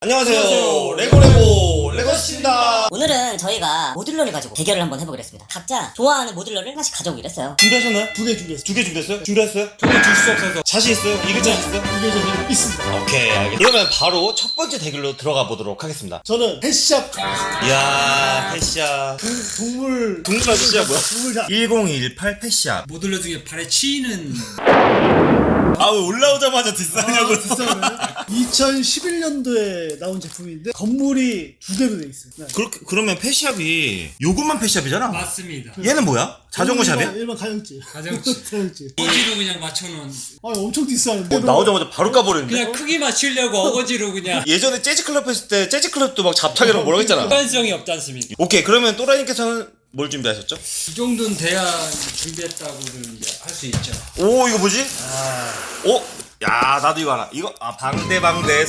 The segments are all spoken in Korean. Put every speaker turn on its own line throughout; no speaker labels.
안녕하세요. 레고레고 레고씨입니다.
오늘은 저희가 모듈러를 가지고 대결을 한번 해보기로 했습니다. 각자 좋아하는 모듈러를 하나씩 가져오기로 했어요.
준비하셨나요?
두 개 준비했어요.
두 개 준비했어요? 준비했어요?
두개 줄 수 없어서
자신 있어요? 이길 자신 있어요?
두개 저는 있습니다.
오케이, 알겠습니다. 그러면 바로 첫 번째 대결로 들어가 보도록 하겠습니다.
저는 펫샵 가겠습니다.
이야, 펫샵.
동물
펫샵 뭐야?
동물샵.
1018 펫샵.
모듈러 중에 발에 치이는
아, 왜 올라오자마자 디스하냐고.
2011년도에 나온 제품인데 건물이 두 개로 돼 있어요. 네.
그러면 펫샵이 요것만 펫샵이잖아?
맞습니다.
얘는 뭐야? 자전거 샵이야?
일반 가정집.
가정집.
가정집.
어거지로 그냥 맞춰놓은
아 엄청 비싸는데.
나오자마자 바로 까버리는데?
그냥 크기 맞추려고 어거지로 그냥
예전에 재즈클럽 했을 때 재즈클럽도 막 잡타기라고 뭐라고 했잖아.
일관성이 없지 않습니까?
오케이, 그러면 또라이님께서는 뭘 준비하셨죠?
이 정도는 돼야 준비했다고는 이제 할 수 있죠.
오, 이거 뭐지? 오, 야, 나도 이거 하나. 이거 방대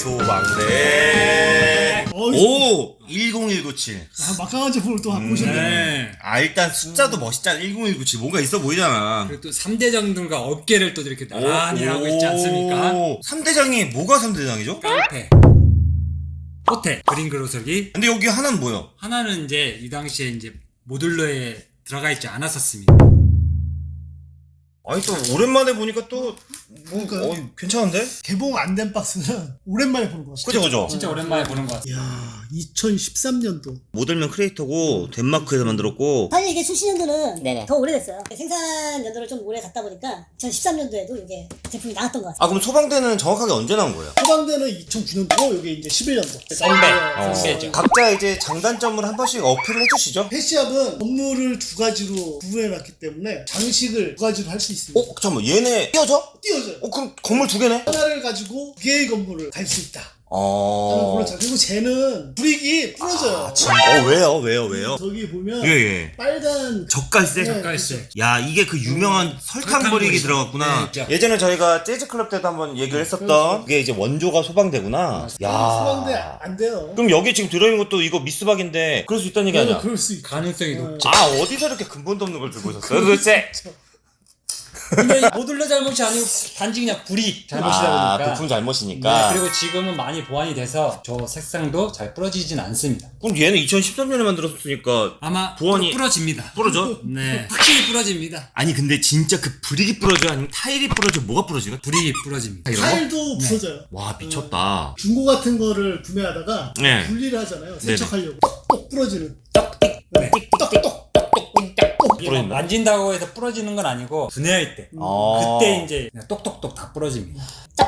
소방대. 오, 10197.
막강한 제품을 또 갖고 오셨네.
네.
일단 숫자도 멋있잖아. 10197 뭔가 있어 보이잖아.
그리고 또 3대장들과 어깨를 또 이렇게 나란히 하고 있지 않습니까?
3대장이 뭐가 3대장이죠?
깡패, 호텔, 그린 그로서기.
근데 여기 하나는 뭐야?
하나는 이제 이 당시에 이제 모듈러에 들어가 있지 않았었습니다.
아니, 또 오랜만에 보니까 또
그러니까요.
괜찮은데?
개봉 안 된 박스는 오랜만에 보는 것 같아요.
그죠.
진짜 오랜만에 보는 것 같아요.
이야 2013년도.
모델명 크리에이터고 덴마크에서 만들었고.
사실 이게 출시 연도는 더 오래됐어요. 생산 연도를 좀 오래 갔다 보니까 2013년도에도 이게 제품이 나왔던 것 같아요.
그럼 소방대는 정확하게 언제 나온 거예요?
소방대는 2009년도고 이게 이제 11년도.
선배죠.
각자 이제 장단점을 한 번씩 어필을 해주시죠.
펫샵은 건물을 두 가지로 구분해놨기 때문에 장식을 두 가지로 할 수 있습니다.
잠깐만, 얘네 띄어져?
띄워져요.
그럼 건물 두 개네?
하나를 가지고 두 개의 건물을 갈 수 있다.
어.
그리고 쟤는 불이익이 부러져요.
왜요?
저기 보면
예.
빨간
젓갈색?
네.
젓갈색.
야, 이게 그 유명한 설탕 버리기
설탕
들어갔구나.
네, 있죠.
예전에 저희가 재즈클럽 때도 한번 얘기를 했었던 그게 이제 원조가 소방대구나.
소방대 안 돼요.
그럼 여기 지금 들어있는 것도 이거 미스박인데 그럴 수 있다는 얘기 아니야?
그럴 수 있죠.
가능성이 높죠.
어디서 이렇게 근본도 없는 걸 들고 있었어요 도대체?
근데 모듈러 잘못이 아니고 단지 그냥 불이 잘못이다 보니까.
부품 잘못이니까.
네, 그리고 지금은 많이 보완이 돼서 저 색상도 잘 부러지진 않습니다.
그럼 얘는 2013년에 만들었으니까
아마
보완이
부러집니다.
부러져?
네, 확실히 부러집니다.
아니 근데 진짜 그 브릭이 부러져? 아니면 타일이 부러져? 뭐가 부러지가?
불이 부러집니다.
이런 거?
타일도 부서져요.
와, 미쳤다.
중고 같은 거를 구매하다가
네.
분리를 하잖아요.
네네.
세척하려고 똑 부러지는.
네.
똑똑.
이게
부러진다?
만진다고 해서 부러지는 건 아니고 분해할 때 그때 이제 그냥 똑똑똑 다 부러집니다.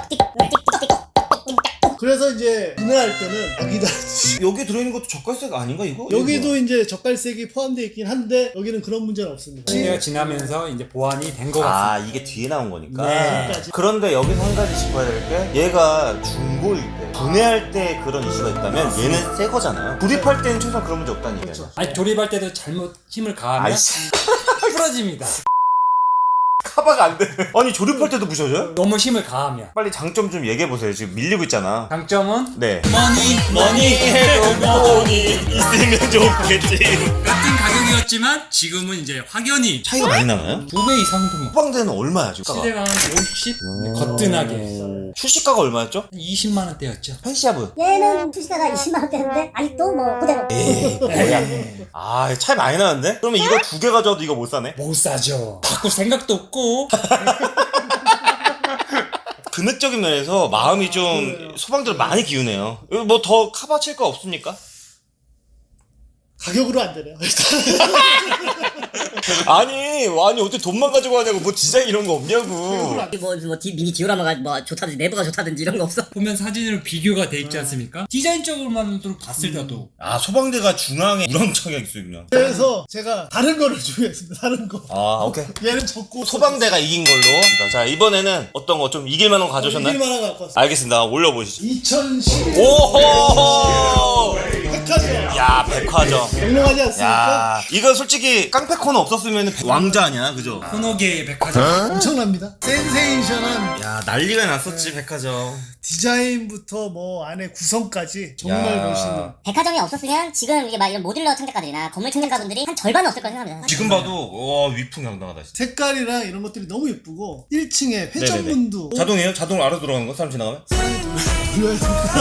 그래서 이제 분해할 때는 여기다
여기 들어있는 것도 젓갈색 아닌가 이거?
여기도 이제 젓갈색이 포함되어 있긴 한데 여기는 그런 문제는 없습니다.
시대가 지나면서 이제 보완이 된 것 같습니다.
이게 뒤에 나온 거니까.
네.
그런데 여기서 한 가지 짚어야 될 게 얘가 중고일 때 분해할 때 그런 이슈가 있다면 얘는 새 거잖아요. 조립할 때는 최소한 그런 문제 없다는 얘기예요.
그렇죠.
아니 조립할 때도 잘못 힘을 가하면
아이씨.
부러집니다.
카바가 안 돼. 아니 조립할 때도 부셔져요?
너무 힘을 가하면.
빨리 장점 좀 얘기해 보세요. 지금 밀리고 있잖아.
장점은
네.
머니 해도 머니
있으면 좋겠지.
같은 가격이었지만 지금은 이제 확연히
차이가 많이 나나요?
2배 이상도 뭐.
소방대는 얼마야 지금?
시대가 한 50? 거뜬하게
출시가가 얼마였죠?
20만 원대였죠.
펜시아브.
얘는 출시가가 20만 원대인데 아직도 뭐 그대로.
뭐야? 차이 많이 나는데? 그러면 이거 두 개 가져와도 이거 못 사네?
못 사죠. 바꿀 생각도 없고.
금액적인 면에서 마음이 좀 소방대로 많이 기우네요. 뭐 더 카바 칠 거 없습니까?
가격으로 안 되네요.
아니 어떻게 돈만 가지고 하냐고. 뭐 디자인 이런 거 없냐고.
미니 디오라마가 뭐 좋다든지 내부가 좋다든지 이런 거 없어?
보면 사진으로 비교가 돼 있지 않습니까? 디자인적으로만 봤을 때도
소방대가 중앙에 우렁청이 있어요 그냥.
그래서 제가 다른 거를 준비했습니다. 다른 거.
오케이.
얘는 적고
소방대가 이긴 걸로. 자, 이번에는 어떤 거 좀 이길 만한 거 가져오셨나요?
이길만한 거 갖고 왔어요.
알겠습니다. 올려보시죠.
2011년
오호!
백화점.
야, 백화점.
영롱하지 않습니까?
야, 이거 솔직히 깡패 코너 없었으면 왕자 아니야, 그죠?
코너계의 백화점.
엄청납니다. 센세이션한
야, 난리가 났었지, 백화점.
디자인부터 뭐 안에 구성까지 정말
야.
멋있는.
백화점이 없었으면 지금 이게 막 이런 모듈러 창작가들이나 건물 창작가분들이 한 절반은 없을 거라 생각합니다.
지금 봐도 위풍당당하다 진짜.
색깔이랑 이런 것들이 너무 예쁘고 1층에 회전문도
자동이에요? 자동으로 알아서 들어가는 거? 사람 지나가면?
사람이 돌려야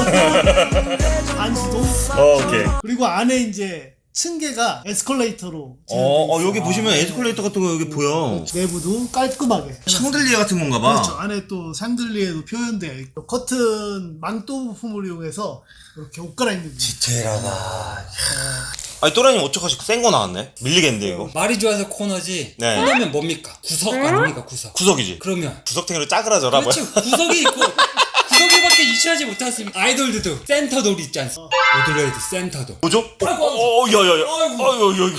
됩니다. 반수동.
오케이.
그리고 안에 이제 층계가 에스컬레이터로.
여기 보시면 에스컬레이터 같은 거 여기 보여.
내부도 깔끔하게.
샹들리에 같은 건가 봐.
그렇죠. 안에 또 샹들리에도 표현되어 있고 커튼 망토 부품을 이용해서 이렇게 옷 갈아입는 거.
디테일하다. 아니 또라님 어떡하시 센 거 나왔네. 밀리겠는데 이거.
말이 좋아서 코너지.
네.
코너면 뭡니까? 구석 아닙니까 구석.
구석이지.
그러면
구석탱이로 짜그라져라.
그렇지 구석이 있고 구석이밖에 이치하지 못했습니까? 아이돌들도 센터돌 있지 않습니까? 모듈러에도 센터돌.
뭐죠?
아이고.
야야야.
아이고.
아이고.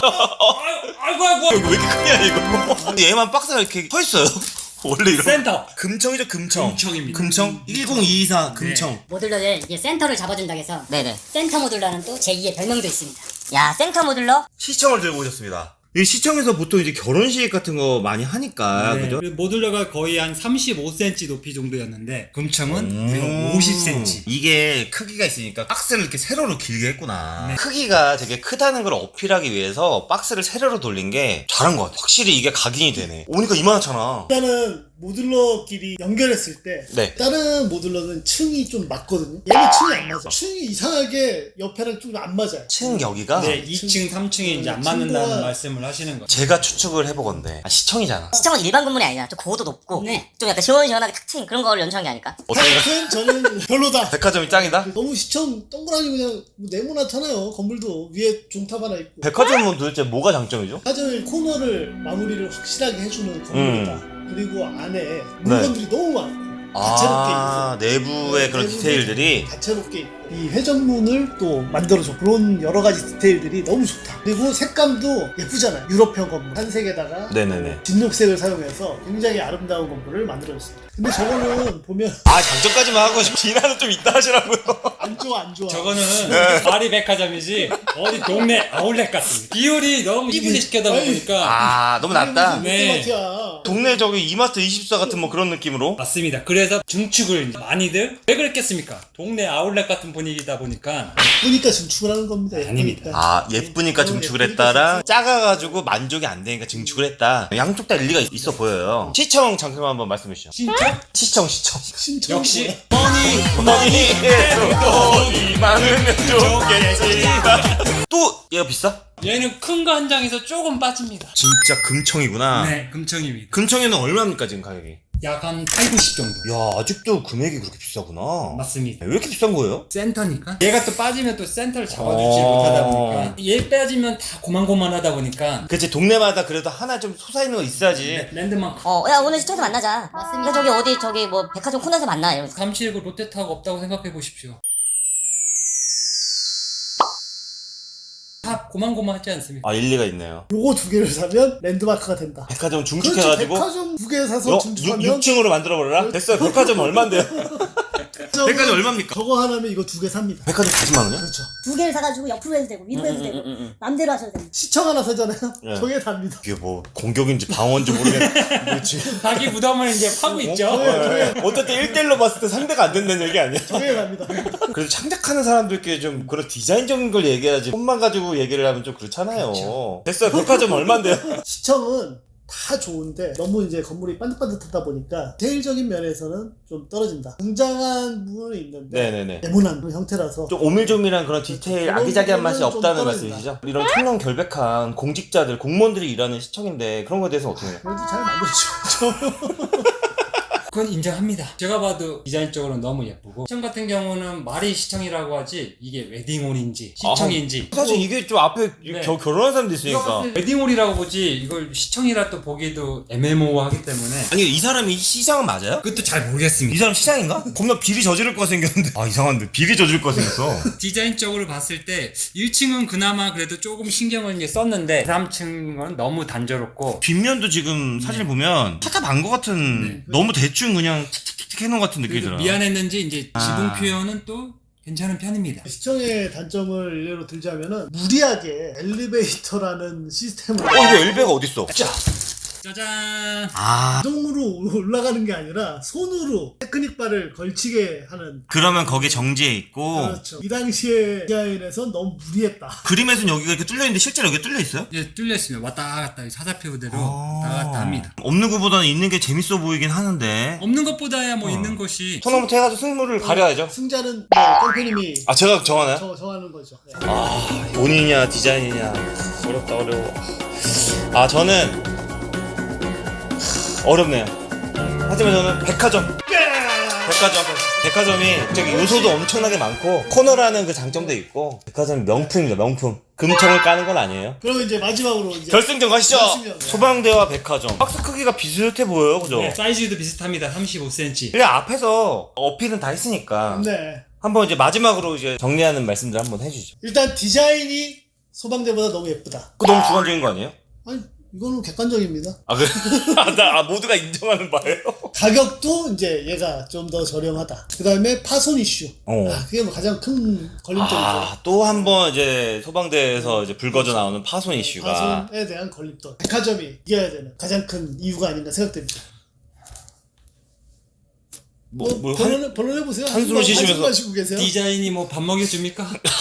아이고.
이거 왜 이렇게 크냐 이거. 얘만 박스가 이렇게 서 있어요. 원래 이런.
센터.
금청이죠 금청.
금청입니다.
금청 10224 금청.
모듈러를 이게 센터를 잡아준다고 해서
네네.
센터 모듈러는 또 제2의 별명도 있습니다.
야, 센터 모듈러?
시청을 들고 오셨습니다. 이 시청에서 보통 이제 결혼식 같은 거 많이 하니까
네.
그죠?
그리고 모듈러가 거의 한 35cm 높이 정도였는데 금청은 우리가 50cm.
이게 크기가 있으니까 박스를 이렇게 세로로 길게 했구나.
네.
크기가 되게 크다는 걸 어필하기 위해서 박스를 세로로 돌린 게 잘한 것 같아. 확실히 이게 각인이 되네. 오니까 이만하잖아.
일단은 모듈러끼리 연결했을 때
네.
다른 모듈러는 층이 좀 맞거든요. 얘는 층이 안 맞아. 층이 이상하게 옆에랑 좀 안 맞아요.
층 여기가
네, 2층, 3층이 이제 안 맞는다는 말씀을 하시는 거죠.
제가 추측을 해보건데 시청이잖아.
시청은 일반 건물이 아니라 좀 고도 높고
네.
좀 약간 시원시원하게 탁 트인 그런 거를 연출한 게 아닐까?
어떻게
하여튼 저는 별로다.
백화점이 짱이다?
너무 시청 동그라미 그냥 뭐 네모나잖아요. 건물도 위에 종탑 하나 있고.
백화점은 도대체 뭐가 장점이죠?
백화점의 코너를 마무리를 확실하게 해주는 건물이다. 그리고 안에 물건들이 너무 많고 다채롭게 있고
내부의 그런
내부도
디테일들이
다채롭게 있고 이 회전문을 또 만들어줘. 그런 여러 가지 디테일들이 너무 좋다. 그리고 색감도 예쁘잖아요. 유럽형 건물 한색에다가
네네네.
진녹색을 사용해서 굉장히 아름다운 건물을 만들어줬습니다. 근데 저거는 보면
장점까지만 하고 비난은 좀 있다 하시라고요.
안 좋아 안 좋아.
저거는 파리 백화점이지 어디 동네 아울렛 같습니다. 비율이 너무 이분이 시켜다 보니까
너무 낮다.
네.
네.
동네 저기 이마트 24 같은 뭐 그런 느낌으로.
맞습니다. 그래서 중축을 이제 많이들 왜 그랬겠습니까? 동네 아울렛 같은 분위기다 보니까
예쁘니까 증축을 하는 겁니다.
아닙니다.
예쁘니까 증축을 했다랑 작아가지고 만족이 안 되니까 증축을 했다. 양쪽 다 일리가 있어 보여요. 시청 장점 한번 말씀해 주시죠.
진짜
시청.
신청
역시
돈이 많으면 좋겠지. 또 얘가 비싸?
얘는 큰 거 한 장에서 조금 빠집니다.
진짜 금청이구나.
네, 금청입니다.
금청에는 얼마입니까 지금 가격이?
약 한 8, 90 정도.
야 아직도 금액이 그렇게 비싸구나.
맞습니다.
왜 이렇게 비싼 거예요?
센터니까 얘가 또 빠지면 또 센터를 잡아주지
어.
못하다 보니까 얘 빠지면 다 고만고만하다 보니까
그치 동네마다 그래도 하나 좀 솟아있는 거 있어야지.
랜드마크
야, 오늘 시청에서 만나자. 맞습니다. 저기 어디, 저기 뭐, 백화점 코너에서 만나. 이러면서.
379 롯데타워가 없다고 생각해 보십시오. 다 고만고만하지 않습니까?
일리가 있네요.
요거 두 개를 사면 랜드마크가 된다.
백화점
그렇죠.
중축해가지고
백화점 두 개 사서 증축하면
6층으로 만들어버려라? 됐어요. 백화점 얼만데요? 백화점 얼마입니까?
저거 하나면 이거 두 개 삽니다.
백화점 40만 원이요?
그렇죠.
두 개를 사가지고 옆으로 해도 되고 위로 해도 되고 맘대로 하셔도 됩니다.
시청 하나 사잖아요.
네.
저게 답니다.
이게 뭐 공격인지 방어인지 모르겠네. 뭐 지금
자기 부담을 이제 파고 있죠.
어쨌든 1대1로 봤을 때 상대가 안 된다는 얘기 아니야?
저게 답니다.
그래도 창작하는 사람들끼리 좀 그런 디자인적인 걸 얘기해야지 손만 가지고 얘기를 하면 좀 그렇잖아요. 됐어요. 백화점 얼만데요?
시청은 다 좋은데 너무 이제 건물이 반듯반듯하다 보니까 디테일적인 면에서는 좀 떨어진다. 웅장한 부분은 있는데
네네네.
네모난 그런 형태라서
좀 오밀조밀한 그런 디테일 아기자기한 맛이
그런 부분은
없다는
좀
말씀이시죠? 이런 청년 결백한 공직자들, 공무원들이 일하는 시청인데 그런 거에 대해서 어떻게 해요?
그래도 잘 만들어줘.
그건 인정합니다. 제가 봐도 디자인적으로 너무 예쁘고 시청 같은 경우는 말이 시청이라고 하지 이게 웨딩홀인지 시청인지
사실 이게 좀 앞에
네.
결혼한 사람도
이거
있으니까.
봤을 때 웨딩홀이라고 보지 이걸 시청이라 또 보기도 애매모호하기 때문에
아니 이 사람이 시장은 맞아요?
그것도 잘
이
모르겠습니다.
사람 시장인가? 겁나 비리 저지를 거 생겼는데 이상한데 비리 저지를 거 생겼어.
디자인적으로 봤을 때 1층은 그나마 그래도 조금 신경을 이제 썼는데 3층은 너무 단조롭고
뒷면도 지금 사진을 보면 타탑 안거 같은 너무 대충 그냥 틱틱틱 해놓은 것 같은 느낌이
그래도
들어요.
미안했는지 이제 지붕 표현은 또 괜찮은 편입니다.
시청의 단점을 예로 들자면은 무리하게 엘리베이터라는 시스템을
이거 엘베가 어딨어? 자
짜잔.
아
자동으로 올라가는 게 아니라 손으로 테크닉 바를 걸치게 하는.
그러면 거기에 정지해 있고
그렇죠. 이 당시에 디자인에선 너무 무리했다.
그림에서는 여기가 이렇게 뚫려 있는데 실제로 여기 뚫려 있어요?
이제 뚫려 있으면 왔다 갔다 사다표 그대로
아.
왔다 갔다 합니다.
없는 것보다는 있는 게 재밌어 보이긴 하는데
없는 것보다야 뭐 있는 것이.
토너먼트 해가지고 승부를 가려야죠.
승자는 뭐 깡패님이
아 제가 정하나요?
정하는 거죠. 네.
아 본인이냐 디자인이냐 어렵다 어려워. 아 저는 어렵네요. 하지만 저는 백화점. 백화점이 저기 요소도 엄청나게 많고 코너라는 그 장점도 있고 백화점이 명품입니다. 명품. 금청을 까는 건 아니에요.
그러면 이제 마지막으로 이제
결승전 가시죠.
결승전.
소방대와 백화점. 박스 크기가 비슷해 보여요, 그죠?
네, 사이즈도 비슷합니다. 35cm.
그냥 앞에서 어필은 다 했으니까
네.
한번 이제 마지막으로 이제 정리하는 말씀들 한번 해주죠.
일단 디자인이 소방대보다 너무 예쁘다.
그거 너무 주관적인 거 아니에요?
아니 이거는 객관적입니다.
아 그래? 모두가 인정하는 바예요?
가격도 이제 얘가 좀 더 저렴하다. 그 다음에 파손 이슈.
어.
그게 뭐 가장 큰 걸림돌이죠.
또 한 번 이제 소방대에서 이제 불거져 나오는 파손 이슈가.
파손에 대한 걸림돌. 백화점이 이겨야 되는 가장 큰 이유가 아닌가 생각됩니다. 변론해보세요.
한숨을 쉬시면서.
쉬고 계세요.
디자인이 뭐 밥 먹여줍니까?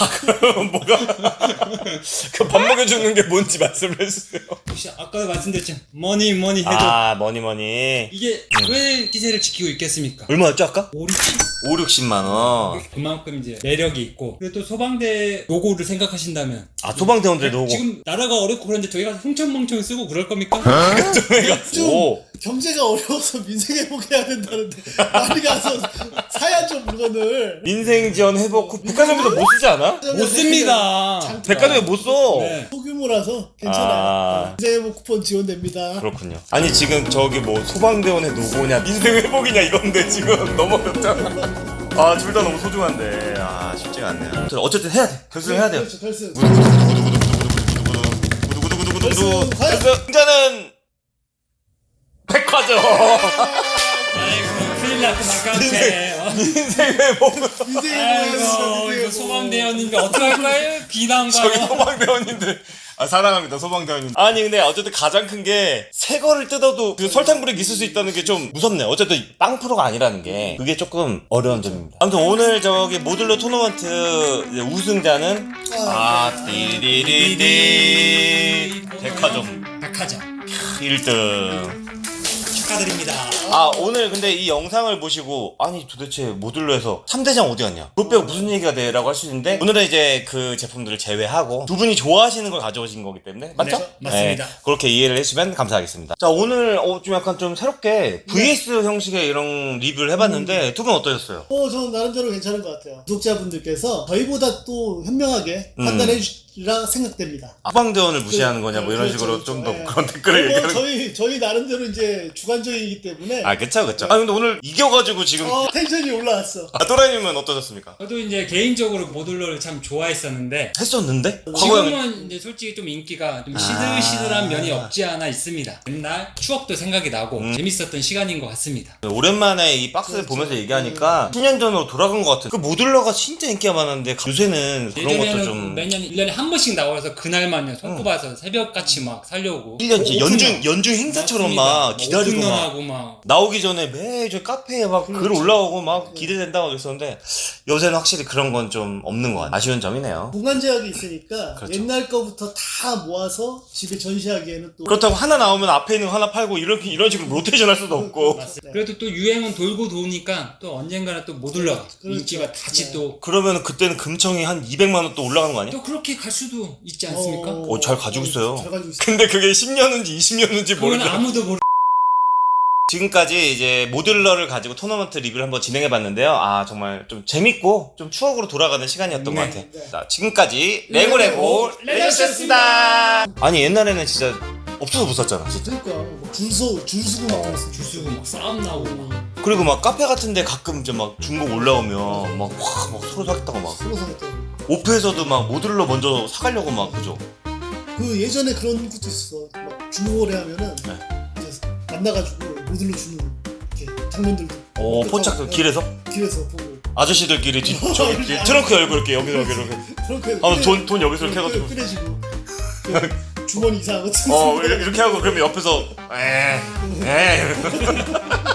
그 밥 먹여주는 게 뭔지 말씀을 해주세요.
혹시 아까도 말씀드렸죠. 머니 해도
머니.
이게 왜 기세를 지키고 있겠습니까?
얼마였죠 아까?
5,
5-60만원.
그만큼 이제 매력이 있고 그리고 또 소방대 로고를 생각하신다면
소방대원들 로고.
지금 나라가 어렵고 그런데 저희가 흥청망청 쓰고 그럴 겁니까?
오.
경제가 어려워서 민생회복해야 된다는데 많이 가서 사야죠 물건을.
민생지원 회복 후 백화점에서 못 쓰지 않아?
못 씁니다.
백화점에 못 써.
네.
소규모라서 괜찮아요. 민생회복 쿠폰 지원됩니다.
그렇군요. 아니 지금 저기 뭐 소방대원의 노고냐 민생회복이냐 이건데 지금 너무 어렵잖아. 둘 다 너무 소중한데 쉽지가 않네요. 어쨌든 해야 돼. 결승해야 돼요.
그렇죠, 결승.
구두구두구두구두구두구두구두구.
과연?
승자는 백화점.
아이고 큰일 났구나 깡패.
민생회복.
아이고 이거 소방대원인데 어떡할까요?
저기
비난가요?
소방대원님들 사랑합니다 소방대원님. 아니 근데 어쨌든 가장 큰 게 새 거를 뜯어도 그 설탕 불이 있을 수 있다는 게 좀 무섭네요. 어쨌든 빵 프로가 아니라는 게 그게 조금 어려운 점입니다. 아무튼 오늘 저기 모듈러 토너먼트 이제 우승자는 띠리리리 백화점 1등.
축하드립니다.
오늘 근데 이 영상을 보시고 아니 도대체 모듈러에서 3대장 어디 갔냐 그것 빼고 무슨 얘기가 돼 라고 할 수 있는데 오늘은 이제 그 제품들을 제외하고 두 분이 좋아하시는 걸 가져오신 거기 때문에 맞죠?
네, 맞습니다.
그렇게 이해를 해주시면 감사하겠습니다. 자 오늘 좀 약간 좀 새롭게 VS 형식의 이런 리뷰를 해봤는데 두 분 어떠셨어요?
저는 나름대로 괜찮은 것 같아요. 구독자분들께서 저희보다 또 현명하게 판단해 주리라 생각됩니다.
소방대원을 무시하는 거냐 뭐 이런
그렇죠,
식으로
그렇죠.
좀 더
네.
그런 댓글을
뭐
얘기하는
저희 나름대로 이제 주관적이기 때문에
그쵸 근데 오늘 이겨가지고 지금
텐션이 올라왔어.
또라이님은 어떠셨습니까?
저도 이제 개인적으로 모듈러를 참 좋아했었는데
했었는데? 과거에
지금은 이제 솔직히 좀 인기가 좀 시들시들한 면이 없지 않아 있습니다. 옛날 추억도 생각이 나고 재밌었던 시간인 것 같습니다.
오랜만에 이 박스를
그렇죠.
보면서 얘기하니까 10년 전으로 돌아간 것 같은 그 모듈러가 진짜 인기가 많았는데 요새는 그런 것도
예전에는
좀
매년 1년에 한 번씩 나와서 그날만요 손꼽아서 새벽같이 막 살려고
1년 진짜 연중 행사처럼 막 기다리고 막
하고 막
나오기 전에 매주 카페에 막 글 올라오고 막 기대된다고 그랬었는데 요새는 확실히 그런 건 좀 없는 것 같아요. 아쉬운 점이네요.
공간 제약이 있으니까
그렇죠.
옛날 거부터 다 모아서 집에 전시하기에는 또
그렇다고 하나 나오면 앞에 있는 거 하나 팔고 이런 식으로 로테이션 할 수도 없고
맞습니다.
그래도 또 유행은 돌고 도니까 또 언젠가는 또 모듈러가
그렇죠.
인기가 다시
네.
또
그러면 그때는 금청이 한 200만 원 또 올라가는 거 아니야?
또 그렇게 갈 수도 있지 않습니까?
잘 가지고 있어요.
잘 가지고 있어요.
근데 그게 10년인지 20년인지
그건
모르겠어요.
아무도 모르.
지금까지 이제 모듈러를 가지고 토너먼트 리뷰를 한번 진행해봤는데요. 정말 좀 재밌고 좀 추억으로 돌아가는 시간이었던 것 같아.
네.
자, 지금까지 레고레고 레전드였습니다. 아니 옛날에는 진짜 없어서 못 샀잖아. 진짜.
그러니까 줄 서고 막 그랬어.
줄 서고 막 싸움 나오고 막.
그리고 막 카페 같은데 가끔 이제 막 중복 올라오면 막 서로 사겠다고 막
서로 사겠다.
오프에서도 막 모듈러 먼저 사가려고 막 그죠?
그 예전에 그런 것도 있어. 막 중고거래 하면은
네.
이제 만나가지고 모듈러 주는 이렇게 장면들도.
포착 길에서
길에서 보고.
아저씨들끼리 저기 트렁크 열고 이렇게 여기서 이렇게
그렇게
돈 여기서 이렇게 해가지고
꺼내지고 주머니 이상한 거 치.
이렇게 하고 그러면 옆에서 에